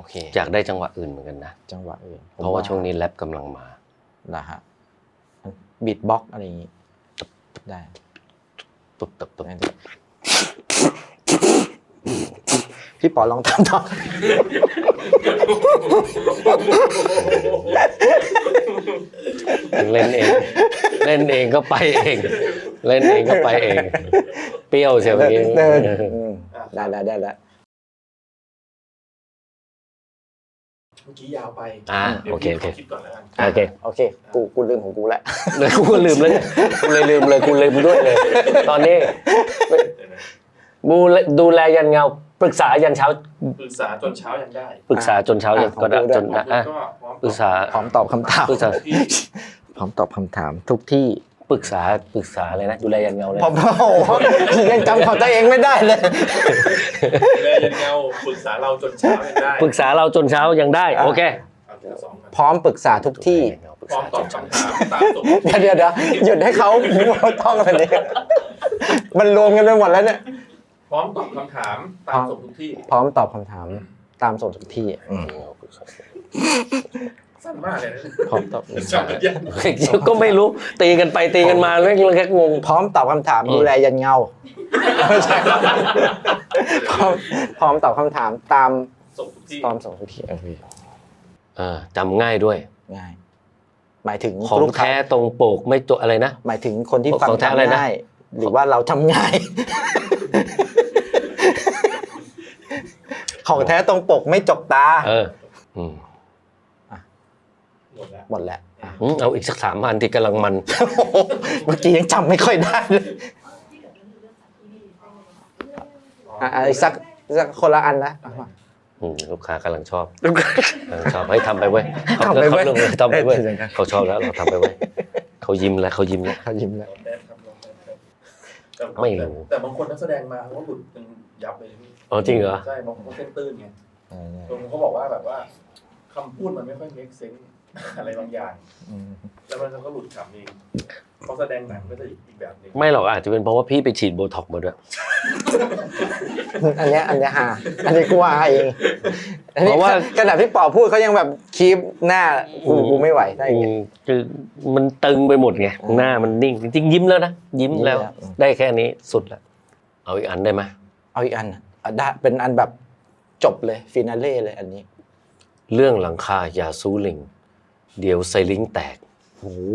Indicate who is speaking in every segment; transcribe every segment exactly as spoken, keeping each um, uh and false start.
Speaker 1: เค
Speaker 2: อยากได้จังหวะอื่นเหมือนกันนะ
Speaker 1: จังหวะอื่น
Speaker 2: เพราะว่าช่วงนี้แรปกำลังมา
Speaker 1: นะฮะบีทบ็อกอะไรอย่างงี้ได้
Speaker 2: ตุบตุบตุบ
Speaker 1: พี่ปอลองทำต่อ
Speaker 2: เล่นเองเล่นเองก็ไปเองเล่นเองก็ไปเองเปรี้ยวใช่ไหม
Speaker 1: ได้ได้ได้แล้ว
Speaker 3: เมื่อกี้ยาวไป
Speaker 2: อ่าโอเคโอเค
Speaker 3: คิดก่อนแล้วกัน
Speaker 2: โอเค
Speaker 1: โอเคกูกูลืมของกูแล้ว
Speaker 2: เลยกูลืมเลยกูเลยลืมเลยกูลืมด้วยเลยตอนนี้บูดูแลยันเงาปรึกษายันเช้า
Speaker 3: ปรึกษาจนเช้ายังได้
Speaker 2: ปรึกษาจนเช้ายันก็ได้จนอ่ะปรึกษา
Speaker 1: พร้อมตอบคำถาม
Speaker 2: ปรึกษา
Speaker 1: พร้อมตอบคำถามทุกที่
Speaker 2: ปรึกษาปรึกษาอะไรนะดูแลยันเงาเลย
Speaker 1: ผมโอ้โหยังจำของตัวเองไม่ได้เลย
Speaker 3: ดูแลยันเงาปรึกษาเราจนเช้ายังได้
Speaker 2: ปรึกษาเราจนเช้ายังได้โอเค
Speaker 1: พร้อมปรึกษาทุกที่
Speaker 3: พร้อมตอบคำถามตามสม
Speaker 1: เดี๋ยวเดี๋ยวเดี๋ยวหยุดให้เขาท่องกันเลยมันรวมกันไปหมดแล้วเนี่ย
Speaker 3: พร้อมตอบคำถามตามสมทุกที่
Speaker 1: พร้อมตอบคำถามตามสมทุกที่
Speaker 3: สั้นมากเลยนะ
Speaker 1: พร้อมตอบ
Speaker 2: ก็ไม่รู้ตีกันไปตีกันมาเรื่องแค่งง
Speaker 1: พร้อมตอบคำถามดูแลยันเงาพร้อมพร้อมตอบคำถามตาม
Speaker 3: สมทุกที่
Speaker 1: ตามสมทุกที่
Speaker 2: เออจำง่ายด้วย
Speaker 1: ง่ายหมายถึง
Speaker 2: ของแท้ตรงปกไม่ตัวอะไรนะ
Speaker 1: หมายถึงคนที่ฟังจำง่ายหรือว่าเราจำง่ายของแท้ตรงปกไม่จกตา
Speaker 2: เอออืม
Speaker 3: หมดแล้ว
Speaker 1: หมดแล้ว
Speaker 2: เอาอีกสักสามพันที่กำลังมัน
Speaker 1: เมื่อกี้ยังจำไม่ค่อยได้เลยอ่ะอีกสักสักคนละอันนะ
Speaker 2: ลูกค้ากำลังชอบกำลังชอบให้ทำไปเว้ย
Speaker 1: ทำไปเว้ย
Speaker 2: ทำไปเว้ยเขาชอบแล้วเราทำไปเว้ยเขายิ้มแล้วเขายิ้มแล้ว
Speaker 1: เขายิ้มแล้ว
Speaker 2: ไม่รู้
Speaker 3: แต่บางคนนักแสดงมาเขาหลุดเป็นยับเลยพี่
Speaker 2: อ๋อจริงเหรอ
Speaker 3: ใช่บางคนเขาเส้นตื้นไงบางคนเขาบอกว่าแบบว่าคำพูดมันไม่ค่อย make sense อะไรบางอย่างแล้วมันก็หลุดขำเองเขาแสดงหนังก็จะอีกแบบนึง
Speaker 2: ไม่หรอกอาจจะเป็นเพราะว่าพี่ไปฉีดโบท็อกซ์มาด้วย
Speaker 1: อันนี้อันนี้ฮะอันนี้กูว่าเองเพราะว่ากระดาษพี่ปอพูดเขายังแบบคีบหน้ากูกูไม่ไหวได้ไง
Speaker 2: คือมันตึงไปหมดไงหน้ามันนิ่งจริงๆยิ้มแล้วนะยิ้มแล้วได้แค่นี้สุดแล้วเอาอีกอันได้ไหม
Speaker 1: เอาอีกอันได้เป็นอันแบบจบเลยฟินาเล่เลยอันนี้
Speaker 2: เรื่องหลังคาอย่าซูลิงเดี๋ยวไซลิงแตก
Speaker 1: โอ้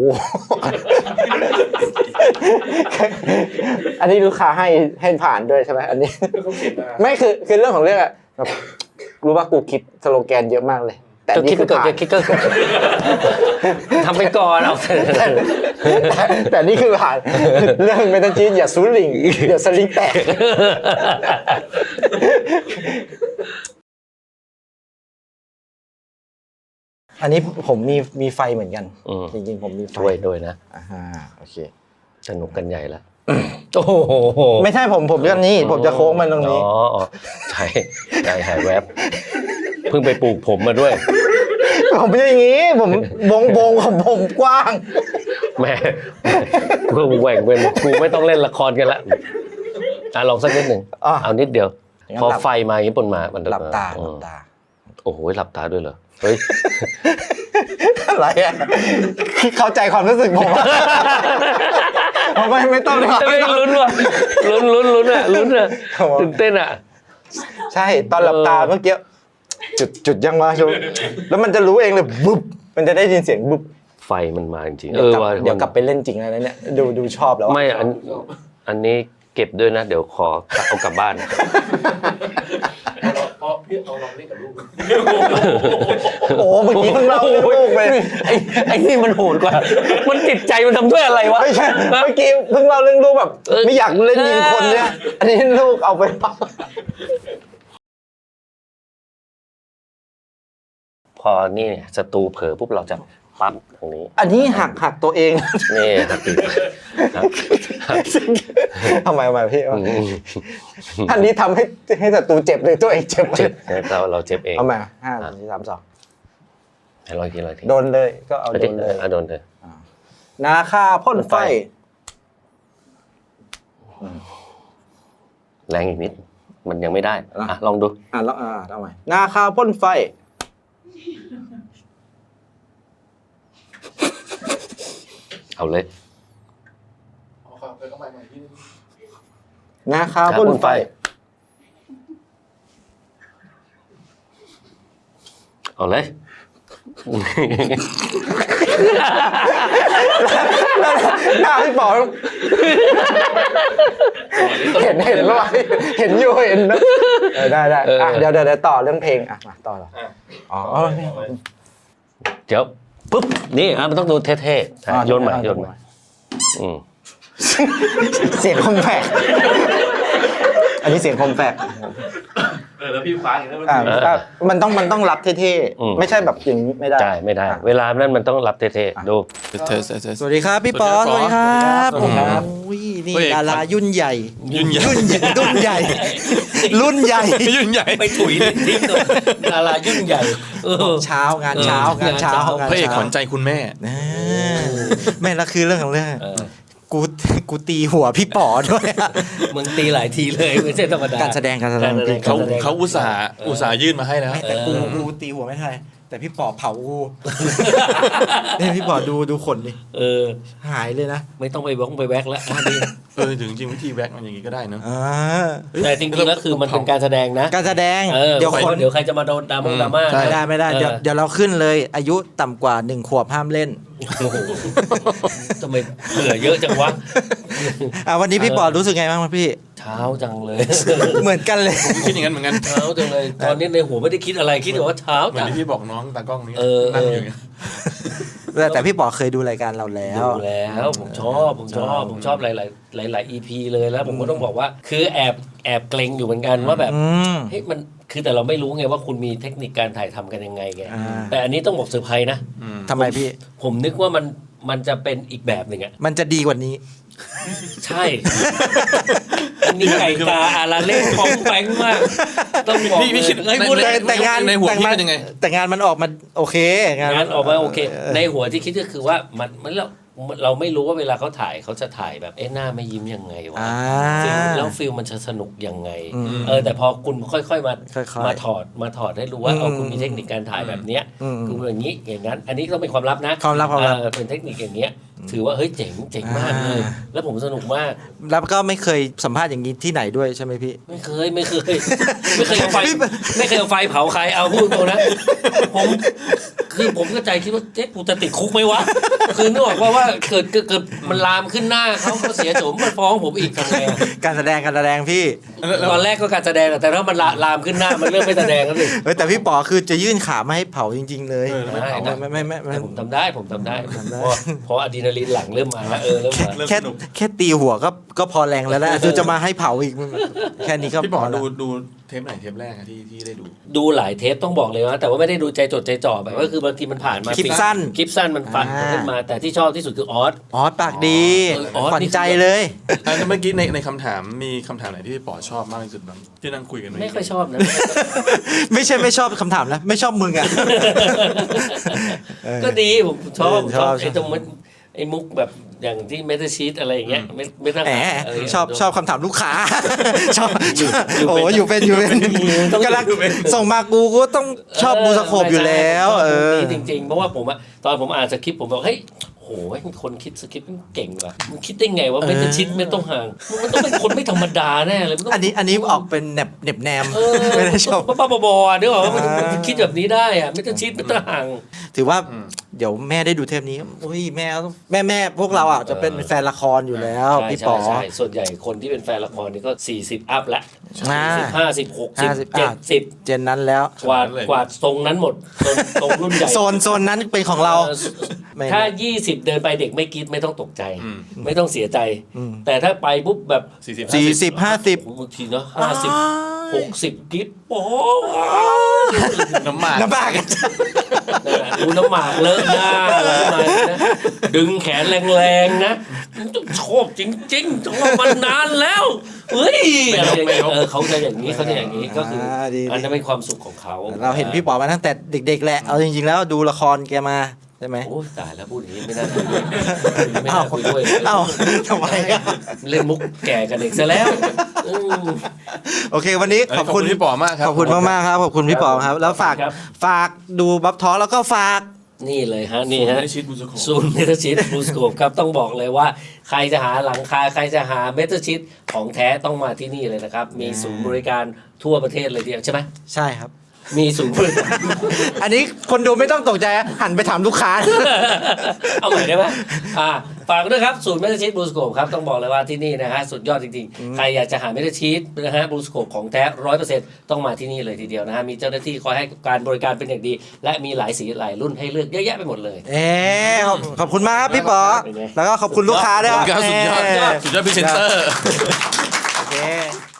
Speaker 1: อันนี้ลูกค้าให้ให้ผ่านด้วยใช่ไหมอันนี้ไม่คือคือเรื่องของเรื่องอะรู้ว่ากูคิดสโลแกนเยอะมากเลยแต่นี่คือผ่าน
Speaker 2: คิดก็ทำไปก่อนเอา
Speaker 1: แต่นี่คือผ่านเรื่องเมตาจีนอย่าซูลิงเดี๋ยวสลิงแตกอันนี้ผมมีมีไฟเหมือนกันจริงๆผมมีไฟ
Speaker 2: ด้วยด้วยนะ
Speaker 1: อ่าโอเค
Speaker 2: สนุกกันใหญ่แล้ว
Speaker 1: โอ้โหไม่ใช่ผมผมจะนี่ผมจะโค้งมันตรงนี้
Speaker 2: อ๋อใช่ใจหายแวบเพิ่งไปปลูกผมมาด้วย
Speaker 1: ผมเป็นอย่างนี้ผมวงวงของผมกว้าง
Speaker 2: แม่กูแหว่งเป็นกูไม่ต้องเล่นละครกันละอ่ะลองสักนิดหนึ่งเอานิดเดียวพอไฟมาอย่างนี้ปนมามัน
Speaker 1: หลับตาหลับตา
Speaker 2: โอ้โหหลับตาด้วยเหรอเฮ้ย
Speaker 1: อะไรอ่ะเข้าใจความรู้สึกผมผมไม่ไม่ต้อง
Speaker 2: ไม่ต้องลุ้นว่ะลุ้นลุ้นลุ้นอ่ะลุ้นอ่ะตื่นเต้นอ่ะ
Speaker 1: ใช่ตอนหลับตาเมื่อกี้จุดจุดยังวะแล้วมันจะรู้เองเลยบุ๊บมันจะได้ยินเสียงบุ๊บ
Speaker 2: ไฟมันมาจริง
Speaker 1: เออเดี๋ยวกลับไปเล่นจริงแล้วเนี่ยดูดูชอบแล้ว
Speaker 2: ไม่อันอันนี้เก็บด้วยนะเดี๋ยวขอเอากลับบ้าน
Speaker 3: อ๋อพี่เอาลองเล่นกับลูก
Speaker 1: โอ้เมื่อกี้เพิ่งเล่าเรื่องลูกไป
Speaker 2: ไอ้ไอ้นี่มันโหดกว่ามันติดใจมันทำด้วยอะไรวะ
Speaker 1: ไม่ใช่เมื่อกี้เพิ่งเล่าเรื่องลูกแบบไม่อยากเล่นยิงคนเนี่ยอันนี้ลูกเอาไปปั๊บ
Speaker 2: พอนี่เนี่ยศัตรูเผลอปุ๊บเราจะปั๊บตรงนี้
Speaker 1: อันนี้หักหักตัวเอง
Speaker 2: นี่หัก
Speaker 1: ทำไมมาพี่อันนี้ทำให้ให้ศัตรูเจ็บเลยตัวเองเจ็บ
Speaker 2: เจ็บเราเราเจ็บเอง
Speaker 1: เอามาห้าสี่สามสอง
Speaker 2: ให้ร้อยทีร้อยที
Speaker 1: โดนเลยก็เอาโดนเลย
Speaker 2: โดนเลย
Speaker 1: นาคาพ่นไฟ
Speaker 2: แรงอีกนิดมันยังไม่ได้อ่ะลองดู
Speaker 1: อ่ะลองอ่ะเอาใหม่นาคาพ่นไฟ
Speaker 2: เอาเลย
Speaker 3: เอาครับไปเข้ามาใหม่ที่
Speaker 1: นาคาพ่นไฟ
Speaker 2: เอาเลย
Speaker 1: หน้าพี่ป๋อเห็นเห็นว่าเห็นอยู่เห็นนะได้ได้อ่ะเดี๋ยวเดี๋ยวต่อเรื่องเพลงอ่ะมาต่อเหรออ๋อ
Speaker 2: เดี๋ยวปุ๊บนี่อ่ะมันต้องดูเท่ๆโยนใหม่โยนใหม่อืม
Speaker 1: เสียงคอมแพคอันนี้เสียงคอมแพค
Speaker 3: เออแล้วพี่คว้าอย่างนั้น
Speaker 1: มันต้องมันต้องรับเท่ๆไม่ใช่แบบอย่างนี้ไม่ได้
Speaker 2: ใช่ไม่ได้เวลานั้นมันต้องรับเท่ๆดู
Speaker 4: สวัสดีครับพี่ปอสวัสดีครับผมนี่ดารายุ่นใหญ่
Speaker 5: ยุ่นใหญ่
Speaker 4: รุ่นใหญ่รุ่นใหญ่รุ่นใหญ่
Speaker 5: ยุ่นใหญ่
Speaker 2: ไปถุยทิ้งเลยดารายุ่นใหญ่
Speaker 4: เช้างานเช้างานเช้า
Speaker 5: พระเอกขวัญใจคุณแม่
Speaker 4: แม่ละคือเรื่องของเรื่องกูกูตีหัวพี่ป๋อด้วย
Speaker 2: มึงตีหลายทีเลยไม่ใช่ธรรมดา
Speaker 4: การแสดงการแสดง
Speaker 5: เขาเขาอุตส่าห์อุตส่าห์ยื่นมาให้แล้ว
Speaker 4: แต่กูกูตีหัวไม่ทันแต่พี่ป๋อเผากูนี่พี่ป๋อดูดูขนดิ
Speaker 2: เออ
Speaker 4: หายเลยนะ
Speaker 2: ไม่ต้องไปบ้องไปแวกแล้ว
Speaker 5: เออถึงจริงวิธีแวกมันอย่างนี้ก็ได้เนอะ
Speaker 2: แต่จริงๆแล้วคือมันเป็นการแสดงนะ
Speaker 4: การแสดง
Speaker 2: เดี๋ยวคนเดี๋ยวใครจะมาโดนดราม่าดราม่า
Speaker 4: ไม่ได้ไม่ได้เดี๋ยวเดี๋ยวเราขึ้นเลยอายุต่ำกว่าหนึ่งขวบห้ามเล่น
Speaker 2: โอ้โหทำไมเผื่อเยอะจังวะ
Speaker 4: อ่ะวันนี้พี่ปอรู้สึกไงบ้างพี่
Speaker 2: เช้าจังเลย
Speaker 4: เหมือนกันเลย
Speaker 5: ผมคิดอย่างนั้นเหมือนกัน
Speaker 2: เช้าจังเลยตอนนี้ในหัวไม่ได้คิดอะไรคิดแต่ว่าเช้า
Speaker 5: เหมือนที่พี่บอกน้องตากล้องนี้
Speaker 2: นั่
Speaker 5: ง
Speaker 2: อยู่
Speaker 4: แต่พี่ปอเคยดูรายการเราแล้ว
Speaker 2: ดูแล้วผมชอบผมชอบผมชอบหลายๆหลายๆ อี พี เลยแล้วผมก็ต้องบอกว่าคือแอบแอบเกรงอยู่เหมือนกันว่าแบบเฮ้ยมันคือแต่เราไม่รู้ไงว่าคุณมีเทคนิคการถ่ายทำกันยังไงไงแต่อันนี้ต้องบอกเซอร์ไพรส์นะ
Speaker 4: ทำไมพี่
Speaker 2: ผมนึกว่ามันมันจะเป็นอีกแบบหนึ่งอ่ะ
Speaker 4: มันจะดีกว่านี้
Speaker 2: ใช่มีไก่กาอาราเล่ฟองแฝงมากต้องบอก
Speaker 5: พี่คิด
Speaker 4: ไอ้พูดแต่งาน
Speaker 5: ในหัวคิดยังไง
Speaker 4: แต่งานมันออกมาโอเค
Speaker 2: งานออกมาโอเคในหัวที่คิดก็คือว่ามันมันเราเราไม่รู้ว่าเวลาเขาถ่ายเขาจะถ่ายแบบเอ๊ะหน้าไม่ยิ้มยังไงวะแล้วฟิลมันจะสนุกยังไงเออแต่พอคุณค่อยๆมามาถอดมาถอดให้รู้ว่าเอาคุณมีเทคนิคการถ่ายแบบเนี้ยคืออย่างนี้อย่างนั้นอันนี้ต้องเป็นความลับนะ
Speaker 4: ความลับความลับ
Speaker 2: เป็นเทคนิคอย่างเงี้ยถือว่าเฮ้ยเจ๋งเจ๋งมากเลยแล้วผมสนุกมาก
Speaker 4: แล้วก็ไม่เคยสัมภาษณ์อย่างนี้ที่ไหนด้วยใช่ไหมพี่
Speaker 2: ไม่เคยไม่เคยไม่เคยเอาไฟไม่เคยเอาไฟเผาใครเอาพูดตรงนะผมคือผมก็ใจคิดว่าเจ๊กูจะติดคุกไหมวะคือนึกออกว่าว่าเกิดเกิดมันลามขึ้นหน้าเขาเขาเสียโฉมมันฟ้องผมอีกทำไง
Speaker 4: การแสดงการแสดงพี่
Speaker 2: ตอนแรกก็การแสดงแต่ถ้ามันลามขึ้นหน้ามันเริ่มไม่แสดงแล้วดิ
Speaker 4: แต่พี่ป๋อคือจะยื่นขามาให้เผาจริงๆเลย
Speaker 2: ไม่ไม่ไม่ผมทำได้ผมทำได้เพราะอะดรีนาลีนหลังเริ่มมาแล้วเออเริ่มมา
Speaker 4: แค่แค่ตีหัวก็ก็พอแรงแล้วนะจะมาให้เผาอีกแค่นี้ก็
Speaker 5: พี่ป๋อดูดูเทปไหนเทปแรกที่ที่ได้ดู
Speaker 2: ดูหลายเทปต้องบอกเลยว่าแต่ว่าไม่ได้ดูใจจดใจจ่อแบบก็คือบางทีมันผ่านมา
Speaker 4: คลิปสั้น
Speaker 2: คลิปสั้นมันฟันขึ้นมาแต่ที่ชอบที่สุดคือออส
Speaker 4: ออสปากดีขวัญใจเลย
Speaker 5: แล้วเมื่อกี้ในในคำถามมีคำถามไหนที่พี่ป๋อชอบมากที่สุดบ้างที่นั่งคุยกัน
Speaker 2: ไม่ค่อยชอบนะ
Speaker 4: ไม่ใช่ไม่ชอบคำถามนะไม่ชอบมึงอ่ะ
Speaker 2: ก็ดีผมชอบชอบไอ้ตรงมันไอ้มุกแบบอย่างที่เมตาชีตอะไรอย่างเงี้ยไม่ไม่ต้อง
Speaker 4: ชอบชอบคำถามลูกค้าชอบโอ้อยู่เป็นอยู่เป็นกำลังส่งมากูก็ต้องชอบบูสโคปอยู่แล้วเออ
Speaker 2: จริงๆเพราะว่าผมอะตอนผมอ่านสคริปต์ผมบอกเฮ้ยโอ้ยคนคิดสคริปต์มันเก่งว่ะมันคิดได้ไงว่าไม่จะชิดไม่ต้องห่างมันต้องเป็นคนไม่ธรรมดาแน่เลย
Speaker 4: อันนี้อันนี้ออกเป็นแหนบแหนบแนมไม่ได้ชอบ
Speaker 2: บ้าๆบอๆด้วยว่ามันคิดแบบนี้ได้อะไม่ต้องชิดไม่ต้องห่าง
Speaker 4: ถือว่าเดี๋ยวแม่ได้ดูเทปนี้โอ้ยแม่แม่แม่พวกเราอ่ะจะเป็นแฟนละครอยู่แล้วพี่ป๋อ
Speaker 2: ใช่ส่วนใหญ่คนที่เป็นแฟนละครนี่ก็สี่สิบอัพแล้วสี่สิบห้าสิบหกสิบเจ็ดสิบ
Speaker 4: เจนนั้นแล้ว
Speaker 2: กวาดกวาดทรงนั้นหมดทรงรุ่นใหญ่
Speaker 4: โซนโซนนั้นเป็นของเรา
Speaker 2: ถ้ายี่สิบเดินไปเด็กไม่คิดไม่ต้องตกใจไม่ต้องเสียใจแต่ถ้าไปปุ๊บแบบ
Speaker 4: สี่สิบห้าสิบบ
Speaker 2: างทีเนาะห้าสิบหกสิบคิดโอ้
Speaker 5: น้ำหมาก
Speaker 4: น้ำหมาก
Speaker 2: ดูน้ำหมากเลอะหน้าอะไรมานะดึงแขนแรงๆนะชอบจริงๆชอบมานานแล้วเฮ้ยอะไรอย่างเงี้ยเออเขาจะอย่างนี้เขาจะอย่างนี้ก็คืออันนั้นเป็นความสุขของเขา
Speaker 4: เราเห็นพี่ป๋อมาตั้งแต่เด็กๆแหละเอาจริงๆแล้วดูละครแกมาใช่ไหม
Speaker 2: โอ้ตายแล้วพูดอย่างนี้ไม่น่าคุยไม่น่าคุยด้วย
Speaker 4: เอ้าทำไม
Speaker 2: เล่นมุกแก่กันเด็กซะแล้ว
Speaker 4: โอเค วันนี้ขอบคุณ
Speaker 5: พี่ป๋อมากครับ
Speaker 4: ขอบคุณมากๆครับขอบคุณพี่ป๋อครับ แล้วฝาก
Speaker 2: ครับ
Speaker 4: ฝากดูบัฟทอแล้วก็ฝาก
Speaker 2: นี่เลยฮะนี่ฮะ
Speaker 5: ไม่ได้ชิดบูสโคป
Speaker 2: ศูนย์เมตาชิดบลูสโคปครับต้องบอกเลยว่าใครจะหาหลังคาใครจะหาเมตาชิดของแท้ต้องมาที่นี่เลยนะครับ มีศูนย์บริการทั่วประเทศเลยทีเดียวใช่ไหม
Speaker 4: ใช่ครับ
Speaker 2: มีศูนย์บริการ
Speaker 4: อันนี้คนดูไม่ต้องตกใจนะหันไปถามลูกค้า
Speaker 2: เอาใหม่ได้ไหมอ่าฝากด้วยครับศูนย์เมตาชีตบลูสโคปครับต้องบอกเลยว่าที่นี่นะฮะสุดยอดจริงๆ ใครอยากจะหาเมตาชีตนะฮะบลูสโคปของแท้ร้อยเปอร์เซ็นต์ต้องมาที่นี่เลยทีเดียวนะฮะมีเจ้าหน้าที่คอยให้การบริการเป็นอย่างดี และมีหลายสีหลายรุ่นให้เลือกเยอะแยะไปหมดเลย
Speaker 4: เอ๊ขอบขอบคุณมากครับพี่ป๋อ
Speaker 2: เป็นไง
Speaker 4: แล้วก็ขอบคุณลูกค้าด้วย
Speaker 5: สุดยอด
Speaker 4: เ
Speaker 5: สุดยอดสุดยอดพรีเซนเตอร์
Speaker 4: โอเค